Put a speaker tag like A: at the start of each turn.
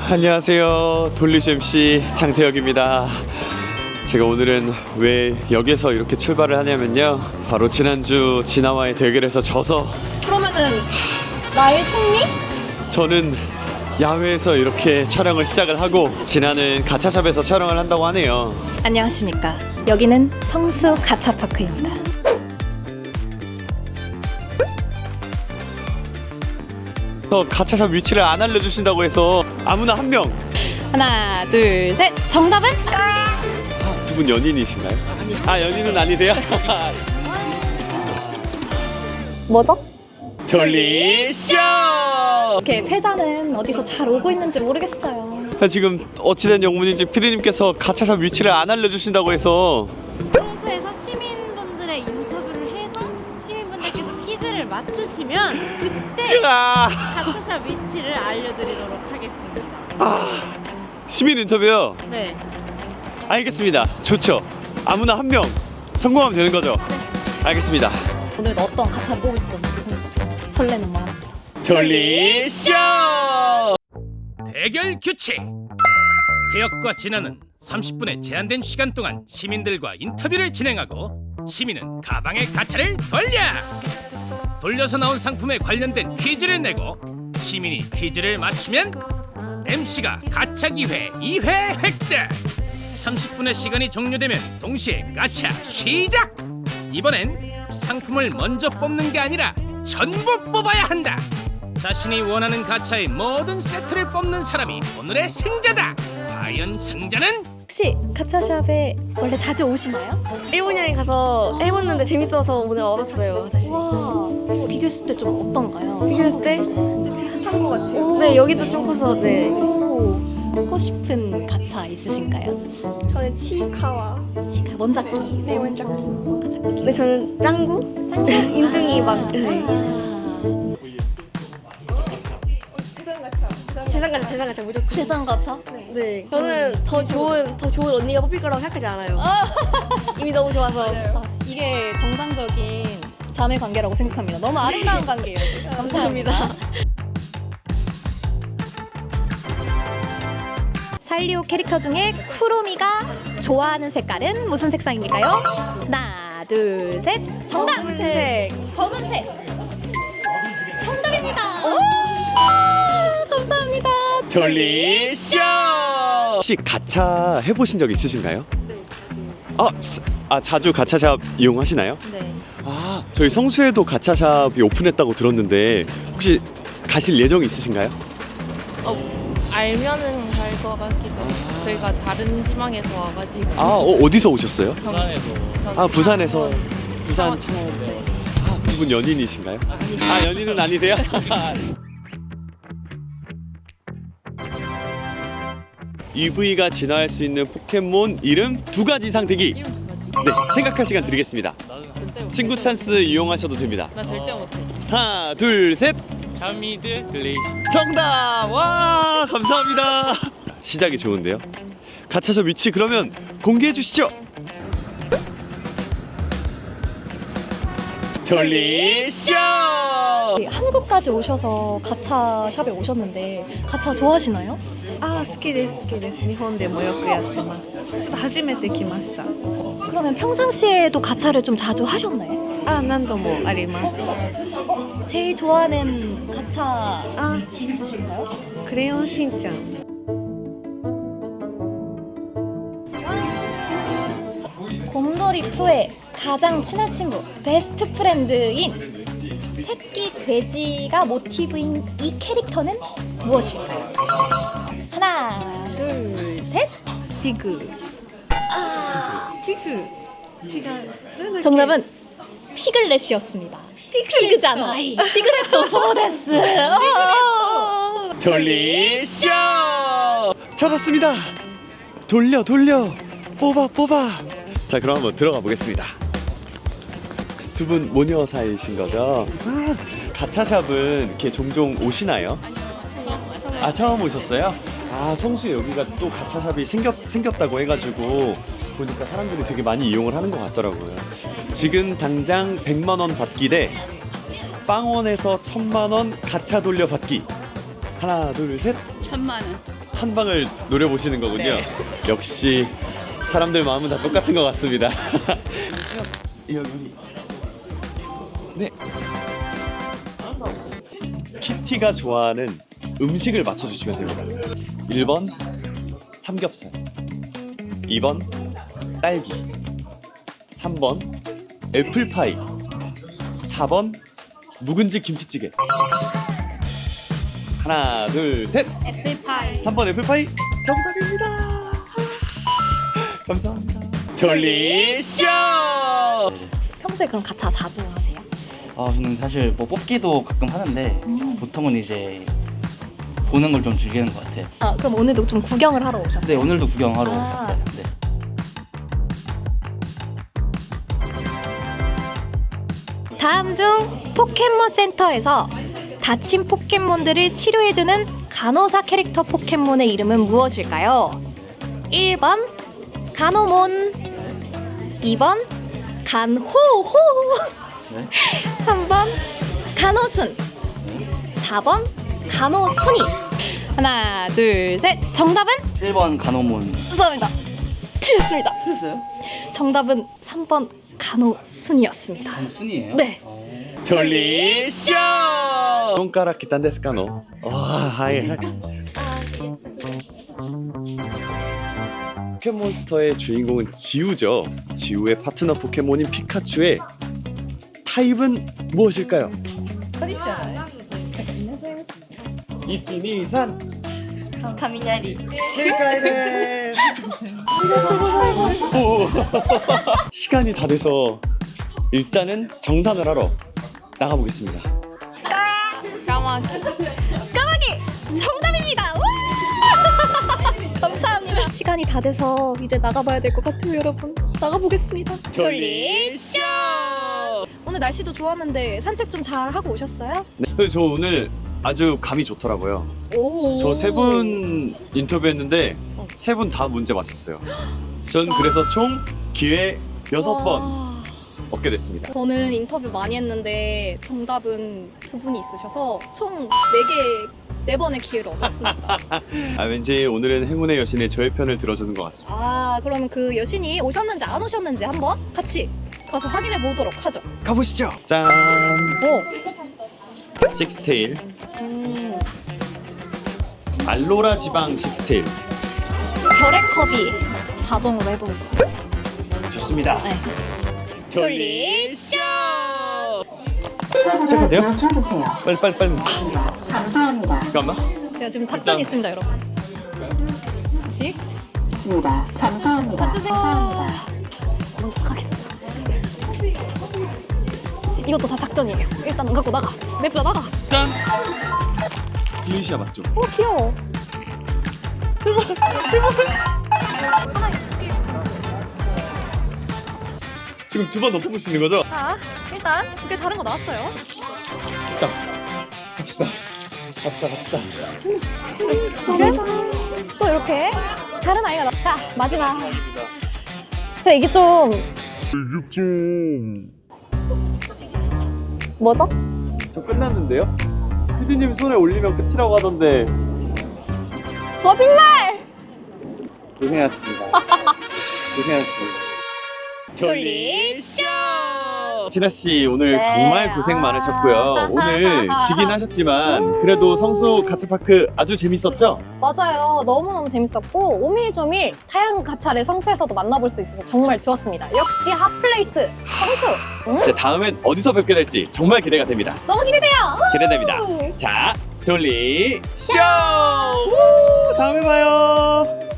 A: 안녕하세요. 돌리시 MC 장태혁입니다. 제가 오늘은 왜 역에서 이렇게 출발을 하냐면요, 바로 지난주 진아와의 대결에서 져서
B: 그러면은 나의 승리?
A: 저는 야외에서 이렇게 촬영을 시작을 하고 진아는 가차샵에서 촬영을 한다고 하네요.
B: 안녕하십니까. 여기는 성수 가차파크입니다.
A: 가차샵 위치를 안 알려주신다고 해서 아무나 한 명.
B: 하나, 둘, 셋. 정답은?
A: 두 분 연인이신가요? 연인은 아니세요?
B: 뭐죠?
A: 돌리쇼!
B: 이렇게 패자는 어디서 잘 오고 있는지 모르겠어요.
A: 지금 어찌된 영문인지 피디님께서 가차샵 위치를 안 알려주신다고 해서
C: 평소에서 시민분들의 인터뷰를 해서 시민분들께서 퀴즈를 맞추시면 그때 가차샵 위치를 알려드리도록 하겠습니다.
A: 시민 인터뷰요?
C: 네.
A: 알겠습니다. 좋죠. 아무나 한 명 성공하면 되는 거죠? 알겠습니다.
B: 오늘도 어떤 가차를 뽑을지 너무 설레는 마음입니다.
A: 돌리쇼!
D: 대결 규칙! 태혁과 진아는 30분의 제한된 시간 동안 시민들과 인터뷰를 진행하고 시민은 가방의 가차를 돌려서 나온 상품에 관련된 퀴즈를 내고 시민이 퀴즈를 맞추면 MC가 가차 기회 2회 획득! 30분의 시간이 종료되면 동시에 가차 시작! 이번엔 상품을 먼저 뽑는 게 아니라 전부 뽑아야 한다! 자신이 원하는 가차의 모든 세트를 뽑는 사람이 오늘의 승자다! 과연 승자는?
B: 혹시 가차샵에 원래 자주 오시나요?
E: 일본 여행 가서 해봤는데 재밌어서 오늘 와봤어요. 다시
B: 와, 비교했을 때 좀 어떤가요?
E: 비교했을 때
C: 비슷한 것 같아요.
E: 네, 여기도 좀 커서 네.
B: 하고 싶은 가차 있으신가요?
F: 저는 치카와
B: 지금 원작기.
F: 네, 원작기.
B: 원작기.
E: 네, 저는 짱구? 인둥이 막 네. 재산가차 무조건.
B: 재산 가차?
E: 네, 저는 더 좋은 언니가 뽑힐 거라고 생각하지 않아요. 이미 너무 좋아서.
B: 이게 정상적인 자매 관계라고 생각합니다. 너무 아름다운 관계예요, 지금. 감사합니다. 살리오 캐릭터 중에 쿠로미가 좋아하는 색깔은 무슨 색상입니까요? 하나, 둘, 셋. 정답!
E: 검은색.
B: 검은색. 정답입니다. 감사합니다.
A: 돌리쇼! 혹시 가차 해보신 적 있으신가요? 네. 자주 가차샵 이용하시나요?
C: 네.
A: 저희 성수에도 가차샵이 오픈했다고 들었는데 혹시 가실 예정이 있으신가요?
C: 알면은 갈 것 같기도 해요. 저희가 다른 지방에서 와가지고.
A: 어디서 오셨어요?
C: 부산에서.
A: 부산에서. 부산
C: 창원. 네.
A: 두 분 연인이신가요? 연인은 아니세요? EV가 진화할 수 있는 포켓몬 이름 2가지 이상 대기.
C: 이름 누구지?
A: 네, 생각할 시간 드리겠습니다.
C: 절대 못해.
A: 친구 찬스 이용하셔도 됩니다.
C: 나 절대 못해.
A: 하나, 둘, 셋.
D: 샤미드 글레이시.
A: 정답! 와, 감사합니다. 시작이 좋은데요. 가차샵 위치 그러면 공개해 주시죠. 돌리쇼!
B: 한국까지 오셔서 가차샵에 오셨는데 가차 좋아하시나요?
F: 好きです好きです日本でもよくやってますちょっと初めて来ました
B: 그러면 평상시에도 가차를 좀 자주 하셨나요?
F: 何度もあります
B: 제일 좋아하는 가차 있으신가요?
F: クレヨンしんちゃん
B: 곰돌이 푸의 가장 친한 친구 베스트 프렌드인 새끼 돼지가 모티브인 이 캐릭터는 무엇일까요? 하나, 둘, 셋.
F: フィグフィグ違うなんだっけ
B: 정답은 피글렛이었습니다. 피그잖아. 피그렛도 소데스.
A: 돌리쇼! 잡았습니다. 돌려 뽑아. 자, 그럼 한번 들어가 보겠습니다. 두 분 모녀 사이신 거죠? 가차샵은 이렇게 종종 오시나요? 처음 오셨어요? 성수에 여기가 또 가차샵이 생겼다고 해가지고 보니까 사람들이 되게 많이 이용을 하는 것 같더라고요. 지금 당장 100만 원 받기 대 빵원에서 1000만 원 가차 돌려 받기. 하나, 둘, 셋.
C: 1000만 원.
A: 한 방을 노려보시는 거군요. 역시 사람들 마음은 다 똑같은 것 같습니다. 여기. 네. 키티가 좋아하는 음식을 맞춰주시면 됩니다. 1번 삼겹살, 2번 딸기, 3번 애플파이, 4번 묵은지 김치찌개. 하나, 둘, 셋.
B: 애플파이.
A: 3번 애플파이 정답입니다. 감사합니다. 돌리쇼.
B: 평소에 그럼 가차 자주 하세요?
G: 저는 사실 뭐 뽑기도 가끔 하는데 보통은 이제 보는 걸 좀 즐기는 것 같아요.
B: 아, 그럼 오늘도 좀 구경을 하러 오셨어요?
G: 네, 오늘도 구경하러
B: 아.
G: 왔어요. 네.
B: 다음 중 포켓몬 센터에서 다친 포켓몬들을 치료해주는 간호사 캐릭터 포켓몬의 이름은 무엇일까요? 1번 간호몬, 2번 간호호,
G: 네.
B: 3번 간호순, 4번 간호순이. 하나, 둘, 셋. 정답은?
G: 1번 간호몬.
B: 죄송합니다. 틀렸습니다.
G: 틀렸어요?
B: 정답은 3번 간호순이었습니다.
G: 순이에요?
B: 네.
A: 돌리쇼. 손가락 기탄 데스카노. 하이. 포켓몬스터의 주인공은 지우죠. 지우의 파트너 포켓몬인 피카츄의 타입은 무엇일까요? 이치니산.
E: 雷。
A: 세가이네. 시간이 다 돼서 일단은 정산을 하러 나가보겠습니다.
C: 까마귀.
B: 까마귀 정답입니다. 와! 감사합니다. 시간이 다 돼서 이제 나가봐야 될 것 같아요, 여러분. 나가보겠습니다.
A: 돌리쇼.
B: 오늘 날씨도 좋았는데 산책 좀 잘 하고 오셨어요?
A: 네, 저 오늘 아주 감이 좋더라고요.
B: 오.
A: 저 세 분 인터뷰했는데 세 분 다 문제 맞췄어요. 전 그래서 총 기회 6번
B: 와.
A: 얻게 됐습니다.
B: 저는 인터뷰 많이 했는데 정답은 2분이 있으셔서 총 4번의 기회를 얻었습니다.
A: 왠지 오늘은 행운의 여신의 저의 편을 들어주는 것 같습니다.
B: 아, 그러면 그 여신이 오셨는지 안 오셨는지 한번 같이 가서 확인해 보도록 하죠.
A: 가보시죠. 짠.
B: 오.
A: 식스테일. 알로라 지방 식스테일.
B: 별의 컵이 4종으로 해보겠습니다.
A: 좋습니다.
B: 네.
A: 돌리쇼. 시작하면 돼요? 빨리.
H: 감사합니다.
A: 잠깐만.
B: 제가 지금 작전이 있습니다, 여러분. 다시.
H: 감사합니다. 감사합니다.
B: 먼저 가겠습니다. 이것도 다 작전이에요. 일단 갖고 나가. 냅다 나가.
A: 짠. 글리시아 맞죠?
B: 귀여워.
A: 지금 2번 더 뽑을 수 있는 거죠?
B: 자, 일단 2개 다른 거 나왔어요.
A: 자, 갑시다.
B: 지금 또 이렇게 다른 아이가 자, 마지막. 근데 이게 좀 뭐죠?
A: 저 끝났는데요? 피디님 손에 올리면 끝이라고 하던데.
B: 거짓말!
A: 고생하셨습니다. 돌리쇼. 진아 씨 오늘
B: 네.
A: 정말 고생 많으셨고요. 오늘 지긴 하셨지만 그래도 성수 가츠파크 아주 재밌었죠?
B: 맞아요. 너무너무 재밌었고 오밀조밀 다양한 가차를 성수에서도 만나볼 수 있어서 정말 좋았습니다. 역시 핫플레이스 성수.
A: 이제 다음엔 어디서 뵙게 될지 정말 기대가 됩니다.
B: 너무 기대돼요.
A: 기대됩니다. 자, 돌리쇼. 다음에 봐요.